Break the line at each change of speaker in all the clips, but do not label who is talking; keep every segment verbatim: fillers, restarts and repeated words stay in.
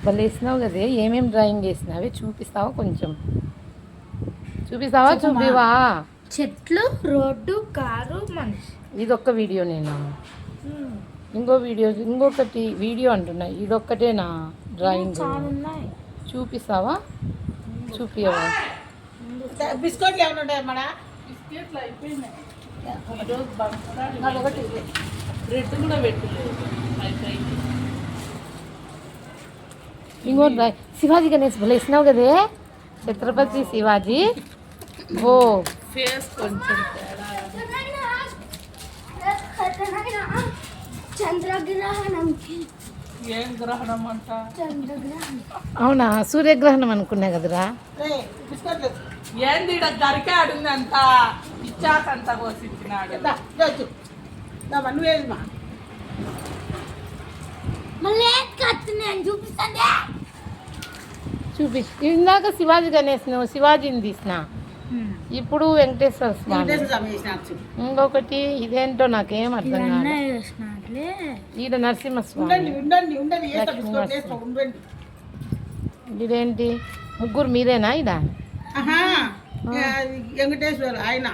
వాళ్ళు వేసినావు కదే ఏమేమి డ్రాయింగ్ వేసినావే చూపిస్తావా కొంచెం చూపిస్తావా చూపివా
చెట్లు రోడ్డు కారు మనిషి
ఇదొక్క వీడియో నేను ఇంకో వీడియో ఇంకొకటి వీడియో అంటున్నా ఇదొక్కటేనా డ్రాయింగ్ చూపిస్తావా చూపియవా
బిస్కెట్లు ఏమైనా ఉంటాయి మన
బిస్కెట్లు అయిపోయినాయి ఒకటి బ్రెడ్ కూడా పెట్టలేదు
ఇంకో డ్రాయింగ్ శివాజీ గణేష్ భలే వేసినావు కదే ఛత్రపతి శివాజీ ఓ
ఫేస్ కొంచెం తేడా
చంద్రగ్రహణం
ఏం గ్రహణం అంట
చంద్రగ్రహణం
అవునా సూర్యగ్రహణం అనుకున్నా కదరా
బిస్కెట్లు
ఏంది ఈడ దరికే ఆడింది అంత ఇచ్చాకంత కోసిచ్చినాడు
నువ్వేమా
మళ్ళీ కత్తి నేను చూపిస్తాను
చూపి ఇందాక శివాజీ గణేష్ నువ్వు శివాజీని తీసిన ఇప్పుడు వెంకటేశ్వర స్వామి ఇంకొకటి ఇదేంటో నాకేం అర్థం కాదు ఈడ నరసింహస్వామి
ఉండండి ఉండండి ఉండండి
ఇదేంటి ముగ్గురు మీరేనా ఈడ
వెంకటేశ్వర ఆయన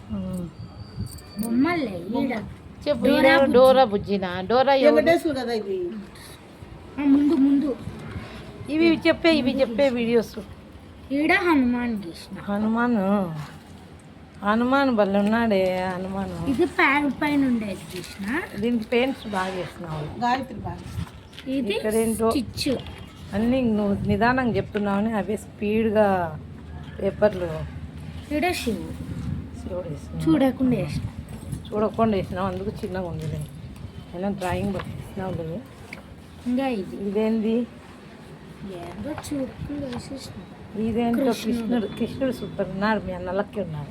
బొమ్మలే ఈడ
చెప్పు ఈడ డోరా బుజ్జినా డోరా ఎవరు?
వెంకటేశ్వర కదా ఇది
ముందు ముందు
ఇవి చెప్పే ఇవి చెప్పే వీడియోస్
ఈడ హనుమాన్ గీసిన
హనుమాన్ హనుమాన్ బల్ల ఉన్నాడే హనుమాన్
ఇది ప్యాన్ పైన ఉండేది గీసిన
దీనికి పెయింట్స్ బాగా వేసినావు
గాయత్రి బాగా
ఇది
ఇక్కడేంటో
స్టిచ్
అన్నీ నువ్వు నిదానంగా చెప్తున్నావని అవి స్పీడ్గా పేపర్లు
ఈడ శివు
శివుడు వేసినావు
చూడకుండా వేసిన
చూడకుండా వేసినావు అందుకు చిన్నగా ఉంది అయినా డ్రాయింగ్ వేసినావు లేదు
ఇంకా ఇది
ఇదేంది
ఏందో చూడకుండా వేసేసిన
ఇదేంటో కృష్ణుడు కృష్ణుడు సూపర్ ఉన్నాడు మీ అన్నలకి ఉన్నాడు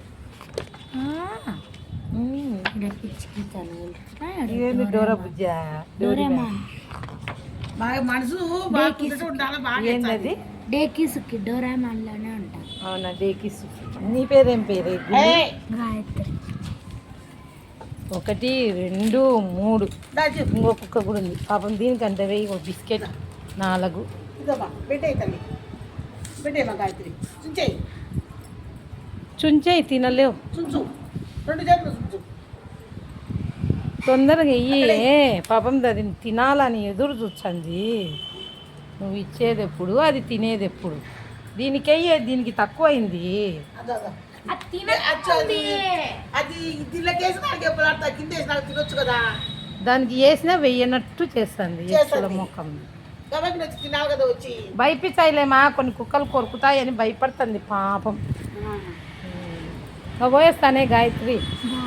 ఉమ్.
ఈడ పిచ్చికి తను
ఇదేంటి డోరా బుజ్జా
డోరేమాన్
బాగా మనసు బాగా కుదుట ఉండాలి బాగా
ఏంటది
డేకీసుకి డోరేమాన్ లోనే ఉంటాం
అవునా డేకిస్ నీ పేరేం పేరు
ఏయ్,
గాయత్రి
ఒకటి రెండు మూడు
దా చెప్పు.
ఇంకొక కూడా ఉంది పాపం దీనికంటే వెయ్యి ఒక బిస్కెట్ నాలుగు
ఇదమ్మా పెట్టేయి తల్లి పెట్టేయమ్మా గాయత్రి చుంచేయి
చుంచేయి తినలేవు
చుంచు రెండు చేతులు చుంచు
తొందరగా ఇయ్యి పాపం అది తినాలని ఎదురు చూస్తుంది నువ్వు ఇచ్చేది ఎప్పుడు అది తినేది ఎప్పుడు దీనికయ్యే దీనికి తక్కువ అయింది
అదో అదో.
అది
అది అది దీనిలోకేసి నాకు ఎప్పుడు ఆడతా కింద వేసి నాకు తినొచ్చు కదా
దానికి వేసినా వెయ్యనట్టు చేస్తుంది ఎచ్చుల
చేస్తుంది.
ముఖం
కాబట్టి వచ్చి తినాలి కదా వచ్చి
భయపించాయిలేమా కొన్ని కుక్కలు కొరుకుతాయని భయపడుతుంది పాపం ఇంకా పోయేస్తానే గాయత్రి
గాయత్రి